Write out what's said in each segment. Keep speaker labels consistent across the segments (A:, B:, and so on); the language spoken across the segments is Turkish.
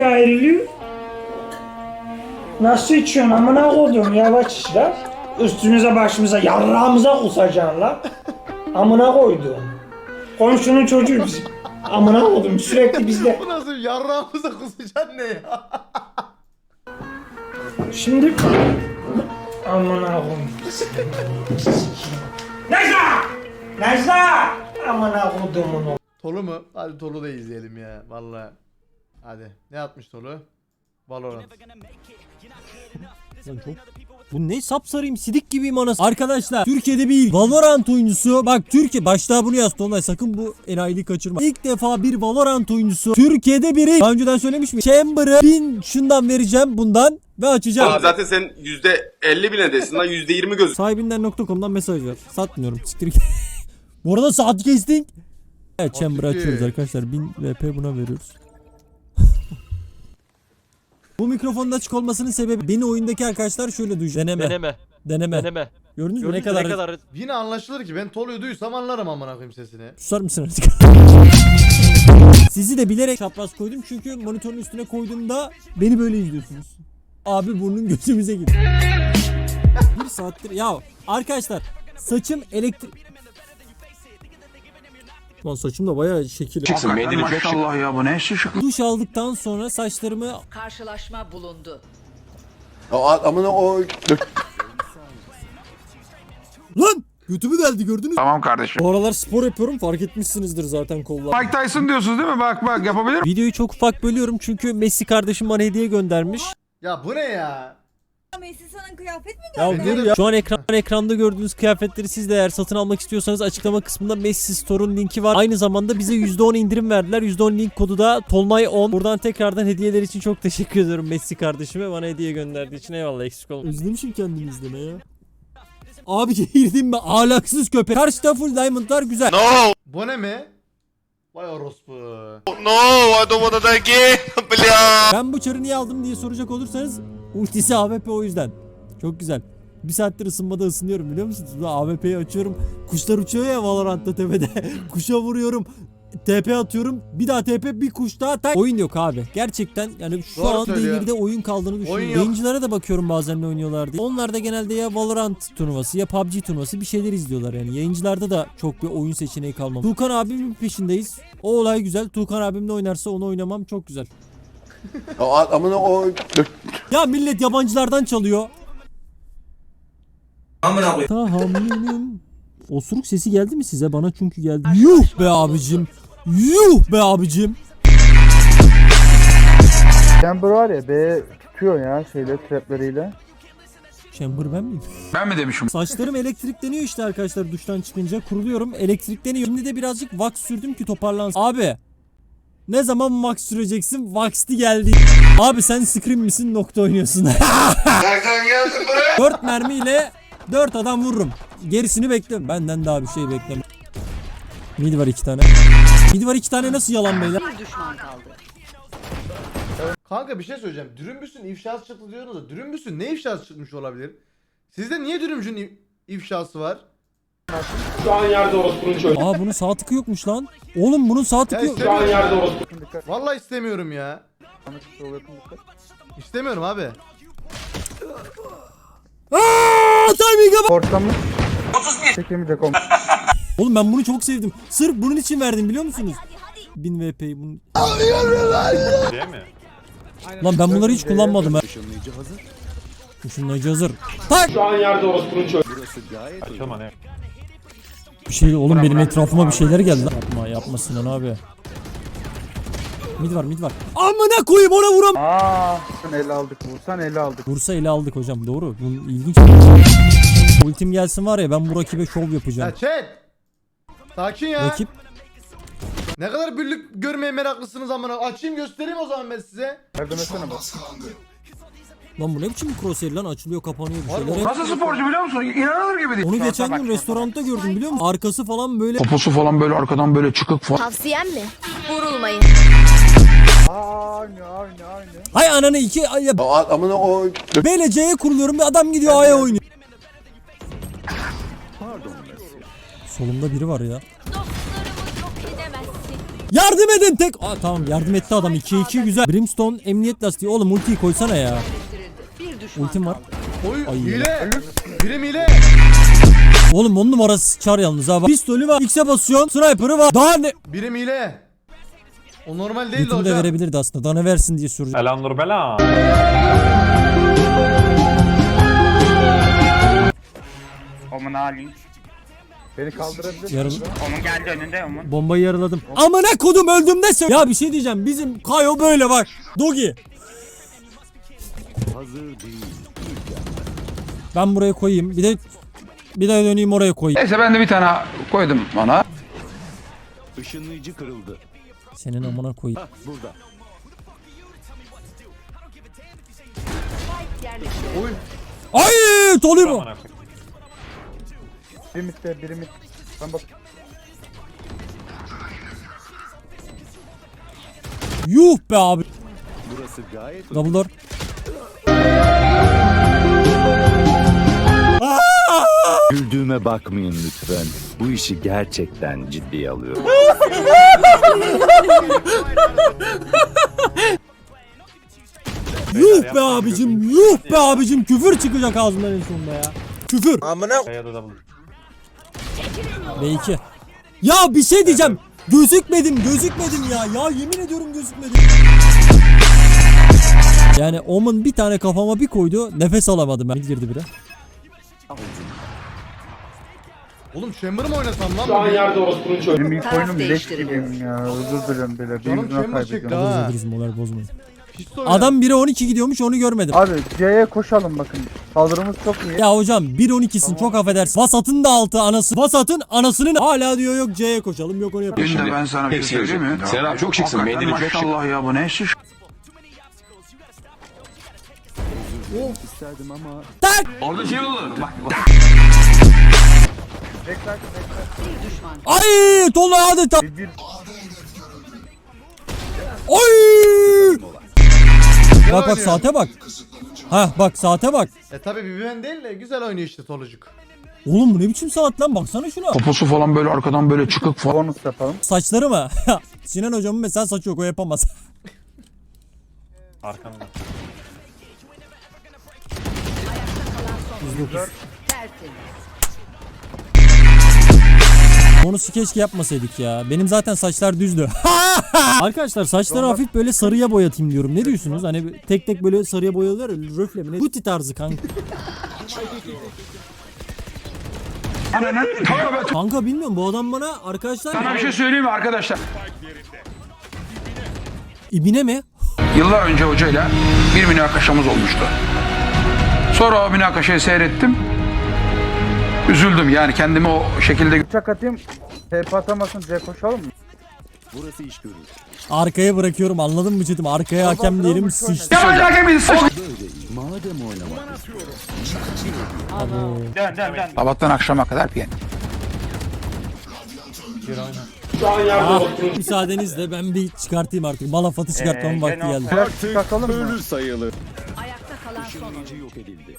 A: ayrılıyor. Nasıl içiyorsun amına koyduğum yavaş iç lan. Üstümüze başımıza yarrağımıza kusacaksın lan. Amına koyduğum. Komşunun çocuğu bizim. Amına koydum sürekli bizde.
B: Bu nasıl yarrağımıza kusacaksın ne ya?
A: Şimdi amına koyayım. Necla! Necla! Amına koyduğumun o.
B: Tolu mu? Hadi Tolu da izleyelim ya vallahi. Hadi ne atmış Tolu? Valorant.
C: Lan çok... Bu ne sapsarıyım sidik gibiyim anasını. Arkadaşlar Türkiye'de bir Valorant oyuncusu. Bak Türkiye başta bunu yaz Tolunay, sakın bu enayilik kaçırma. İlk defa bir Valorant oyuncusu Türkiye'de biri. Daha önceden söylemiş mi? Chamber'ı 1000 şundan vereceğim bundan ve açacağım.
D: Oğlum zaten sen %50 bile desin lan, %20 göz.
C: Sahibinden.com'dan mesaj ver. Satmıyorum. Siktir git. Bu arada saat kestik. Evet Chamber'ı açıyoruz arkadaşlar. 1000 VP buna veriyoruz. Bu mikrofonun açık olmasının sebebi beni oyundaki arkadaşlar şöyle duyacak. Deneme. Gördünüz mü ne kadar...
B: Yine anlaşılır ki ben Tolu'yu duysam anlarım amına koyayım sesini.
C: Susar mısın artık? Sizi de bilerek çapraz koydum çünkü monitörün üstüne koyduğumda beni böyle izliyorsunuz. Abi burnun gözümüze gidiyor. Bir saattir ya arkadaşlar saçım elektrik... Lan saçım da bayağı şekil.
E: Maşallah ya, bu ne şık.
C: Duş aldıktan sonra saçlarımı...
F: Karşılaşma bulundu.
C: Lan! Götümü deldi gördünüz mü?
E: Tamam kardeşim.
C: Bu aralar spor yapıyorum, fark etmişsinizdir zaten kollar.
E: Mike Tyson diyorsunuz değil mi? Bak yapabilir.
C: Videoyu çok ufak bölüyorum çünkü Messi kardeşim bana hediye göndermiş.
B: Ya bu ne ya?
F: Messi sana kıyafet mi
C: Ya
F: gönderdi?
C: dur ya. Şu an ekranda gördüğünüz kıyafetleri siz de eğer satın almak istiyorsanız açıklama kısmında Messi Store'un linki var. Aynı zamanda bize %10 indirim verdiler. %10 link kodu da Tolmay10. Buradan tekrardan hediyeler için çok teşekkür ediyorum Messi kardeşime. Bana hediye gönderdiği için eyvallah, eksik olma. Özlemişim kendimi izleme ya. Abi girdim mi? Ahlaksız köpek. Karşıda full diamondlar güzel.
D: No,
B: Bu ne mi? Vay orospu.
D: no, I don't wanna die again. Bля.
C: Ben bu çarı niye aldım diye soracak olursanız ultisi AWP, o yüzden. Çok güzel. Bir saattir ısınmada ısınıyorum biliyor musunuz? AWP'yi açıyorum. Kuşlar uçuyor ya Valorant'ta tepede. Kuşa vuruyorum. TP atıyorum. Bir daha TP, bir kuş daha tak. Oyun yok abi. Gerçekten yani şu
B: Doğru
C: an
B: söylüyor.
C: devirde oyun kaldığını
B: Oyun
C: düşünüyorum.
B: yok.
C: Yayıncılara da bakıyorum bazen ne oynuyorlar diye. Onlar da genelde ya Valorant turnuvası ya PUBG turnuvası bir şeyler izliyorlar yani. Yayıncılarda da çok bir oyun seçeneği kalmamış. Tuğkan abimin peşindeyiz. O olay güzel. Tuğkan abimle oynarsa onu oynamam çok güzel. Ya millet yabancılardan çalıyor. Tahammülüm. Osuruk sesi geldi mi size? Bana çünkü geldi. Yuh be abicim. Yuh be abicim.
G: Chamber var ya, B tutuyor ya şeyle, trapleriyle.
C: Chamber ben miyim?
E: Ben mi demişim?
C: Saçlarım elektrikleniyor işte arkadaşlar, duştan çıkınca kuruluyorum, elektrikleniyor. Şimdi de birazcık wax sürdüm ki toparlansın. Abi ne zaman wax süreceksin? Wax'ti geldi. Abi sen Scream misin? Nokta oynuyorsun.
D: Nereden geldin buraya?
C: 4 mermiyle 4 adam vururum. Gerisini bekliyorum. Benden daha bir şey bekleme. Mid var 2 tane. Mid var 2 tane, nasıl yalan beyler?
F: Bir düşman kaldı.
B: Kanka bir şey söyleyeceğim. Dürümbüsün ifşası çıktı diyorsunuz da Dürümbüsün ne ifşası çıkmış olabilir? Sizde niye Dürümbüsün ifşası var?
C: Aa bunun sağ tıkı yokmuş lan. Oğlum bunun sağ tıkı yok.
B: Vallahi istemiyorum ya. İstemiyorum abi.
C: Aaa timing'e bak.
G: Ortamı çekemeyecek olmuş.
C: Oğlum ben bunu çok sevdim. Sırf bunun için verdim biliyor musunuz? 1000 VP'yi bunun. Lan ben bunları hiç kullanmadım ha. Işınlayıcı hazır. Tak! Şu an yerde orospunun bir şey oğlum, benim etrafıma bir şeyler geldi lan. Yapma Sinan abi. Mid var. Amına koyayım, ona vuram.
G: Vursan ele aldık, vursan ele aldık.
C: Vursa ele aldık hocam, doğru. Bunun ilginç. Ultim gelsin var ya, ben bu rakibe şov yapacağım.
B: Ya chat. Sakin ya.
C: Rakip
B: Ne kadar büllük görmeye meraklısınız amına. Açayım göstereyim o zaman ben size.
G: Yardım etsene bak.
C: lan bu ne biçim crosshair lan, açılıyor kapanıyor bir
B: Var
C: şeyler.
B: mı?
E: Nasıl sporcu biliyor musun? İnanılır gibi değil.
C: Onu geçen gün restoranda gördüm biliyor musun? Arkası falan böyle.
E: Poposu falan böyle arkadan böyle çıkık falan.
F: Tavsiyem mi? Vurulmayın.
G: Aynı.
C: Hay ananı iki ay ya. Böyle C'ye kuruluyorum, bir adam gidiyor A'ya oynuyor. Solumda biri var ya.
F: Dostlarımı yok edemezsin.
C: Yardım edin tek. Aa, tamam yardım etti adam. 2'ye 2 güzel. Brimstone emniyet lastiği. Oğlum ultiyi koysana ya.
F: Bir düşman
C: Ultim var.
F: kaldı.
B: Oy
C: Ay.
B: hile. Birim hile.
C: Oğlum 10 numarası çar yalnız ha. Pistolü var. X'e basıyorsun. Sniper'ı var. Daha ne?
B: Birim hile. O normal değil
C: Götümü de
B: hocam.
C: verebilirdi aslında. Daha ne versin diye soracağım.
H: Selam Nur Bela.
I: Omun Ali.
G: Beni kaldırabilir.
C: Yarın
I: Omun geldi önünde Omun.
C: bombayı yaraladım. Amına kodum öldüm de söyle. Ya bir şey diyeceğim. Bizim Kayo böyle bak. Dogi. Ben buraya koyayım. Bir de döneyim oraya koyayım.
E: Neyse ben de bir tane koydum ona.
J: Işınlayıcı kırıldı.
C: Senin amına koyayım.
J: Burada.
B: Oy.
C: Ay, Tolly bu.
G: Biri mitte, biri mit. Ben bak.
C: Yuh be abi.
J: Burası gayet
C: Double door.
J: Güldüğüme bakmayın lütfen. Bu işi gerçekten ciddiye alıyorum.
C: Yuh be abicim. Yuh be abicim. Küfür çıkacak ağzımdan en sonunda ya. Küfür.
H: Kayada double.
C: B2. Ya bir şey diyeceğim. Gözükmedim ya. Ya yemin ediyorum gözükmedim. Yani Omen bir tane kafama bir koydu. Nefes alamadım ben. Girdi biri.
B: Oğlum Chamber mı oynasam lan?
G: Benim ilk
F: Taraf
G: oyunum leş
F: değiştiriliyor.
G: gibiyim ya. Özür dilerim bile.
B: Canım
G: Bir yüzüne
B: Chamber çekti
G: kaybediyorum.
B: ha.
C: Özür dilerim moral bozmayın.
B: Hiç de oyna.
C: Adam 1'e 12 gidiyormuş onu görmedim.
G: Abi C'ye koşalım bakın. Saldırımız çok iyi.
C: Ya hocam 1-12'sin çok affedersin. Vasat'ın da altı anası. Vasat'ın anasının hala diyor yok C'ye koşalım yok onu yapalım.
E: Şimdi ben sana bir şey söyleyeyim mi?
D: Sen abi çok şıksın,
E: Hakikaten
D: mendilin çok şık.
E: Maşallah ya bu ne şiş.
J: isterdim ama
C: Tak!
E: Orada şey olur. Bak bak.
G: Bekler, bekler.
F: Bir düşman kaldı.
C: Ay! Tolu adeta.
G: Bir
C: Oy! Bak
B: oynuyor.
C: saate bak. Hah bak saate bak.
B: Tabi bir ben değil de güzel oynuyor işte Tolucuk.
C: Oğlum bu ne biçim saat lan baksana şuna.
E: Poposu falan böyle arkadan böyle çıkık falan.
G: bonus yapalım.
C: Saçları mı? Sinan hocamın mesela saçı yok o yapamaz.
H: Arkanda.
F: Tertemiz.
C: Bonusu keşke yapmasaydık ya. Benim zaten saçlar düzdü. Arkadaşlar saçları hafif böyle sarıya boyatayım diyorum. Ne diyorsunuz? Hani tek tek böyle sarıya boyalıyorlar ya. Röfle mi ne? Buti tarzı kanka. Kanka bilmiyorum bu adam bana arkadaşlar...
E: Sana bir şey söyleyeyim mi arkadaşlar?
C: İbine mi?
E: Yıllar önce hocayla bir münakaşamız olmuştu. Sonra o münakaşayı seyrettim. Üzüldüm yani kendimi o şekilde.
G: Uçak atayım. TP atamasın C koşalım mı?
J: burası iş görür.
C: Arkaya bırakıyorum anladın mı çetim? Arkaya hakem diyelim sıçtı.
E: Ya ben hakem misin?
J: Böyle iyi. Madem oynamak
E: Sabahtan akşama kadar piyen.
C: Müsaadenizle ben bir çıkartayım artık. Malafatı çıkartmamın vakti geldi.
G: Biraz çıkartalım mı?
J: ölür sayılır.
F: Ayakta kalan son oyuncu.
J: Işınlayıcı yok edildi.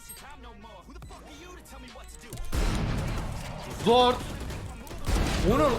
B: Zor. Onu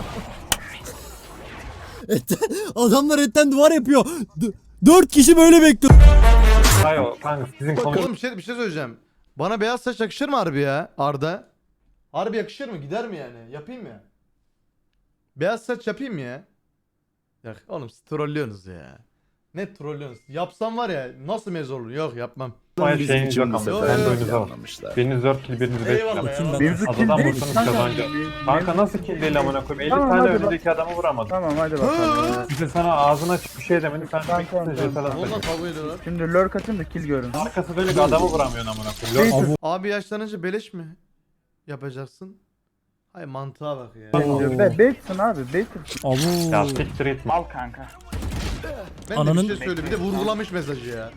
C: Adamlar etten duvar yapıyor. 4 kişi böyle bekliyor.
H: Kayo kanka sizin konu.
B: oğlum bir şey söyleyeceğim. Bana beyaz saç yakışır mı harbi ya Arda? Harbi yakışır mı? Gider mi yani? Yapayım mı? Beyaz saç yapayım mı ya? Ya oğlum siz trollüyorsunuz ya. Ne trollüyorsunuz? Yapsam var ya nasıl meze olur? Yok yapmam.
H: Hayır
J: Bizim
H: şeyiniz
J: için
H: yok
J: bu
H: ama.
J: sefer
H: Ben de oyunuza bak.
J: planlamışlar.
H: Biriniz 4 kill, biriniz 5
B: Eyvallah
H: kill.
C: Bakayım ben.
G: Mevzu kill
H: Adadan
G: değil.
H: vursanız
G: Kanka,
H: kazanacak. Kanka nasıl kill değil amına koyayım? 50
G: Tamam,
H: tane
G: hadi
H: önündeki adamı vuramadım.
G: Tamam hadi bakalım.
H: İşte sana ağzına açık bir şey demedi. Sen
G: Tamam, tamam,
H: sürekli
G: tamam.
B: Onunla kavga ediyorlar.
G: Şimdi lurk atayım da kill görün.
H: arkası dönük adamı vuramıyorsun amına koyayım.
C: Avu.
B: Abi yaşlanınca beleş mi yapacaksın? Hay mantığa bak ya.
G: Baitsin abi baitsin.
C: Avu.
H: Ya siktir etme.
B: Ben de
C: Ananın-
B: bir şey söyle bir de vurgulamış mesajı ya.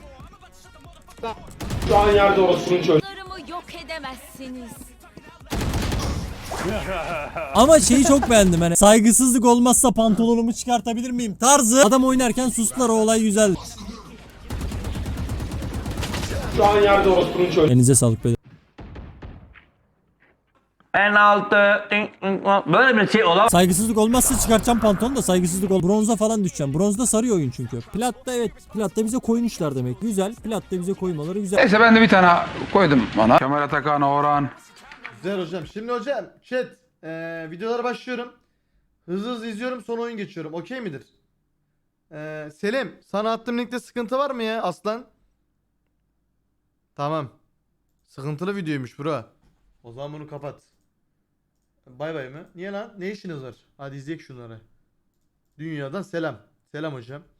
F: Bunlarımı yok edemezsiniz.
C: Ama şeyi çok beğendim hani saygısızlık olmazsa pantolonumu çıkartabilir miyim tarzı. Adam oynarken sustular o olay güzel. Elinize sağlık beyler.
I: En altı. Böyle bir şey olamaz.
C: Saygısızlık olmazsa çıkartacağım pantolonu da saygısızlık ol. Bronza falan düşeceğim. Bronzda sarıyor oyun çünkü. Platta evet. Platta bize koymuşlar demek. Güzel. Platta bize koymaları güzel.
E: Neyse ben de bir tane koydum bana. Kemal Atakan, Orhan.
B: Güzel hocam. Şimdi hocam chat videolara başlıyorum. Hızlı izliyorum sonra oyun geçiyorum. Okey midir? Selim sana attığım linkte sıkıntı var mı ya aslan? Tamam. Sıkıntılı videoymuş bro. O zaman bunu kapat. Bay bay mı? Niye lan? Ne işiniz var? Hadi izleyek şunları. Dünyadan selam. Selam hocam.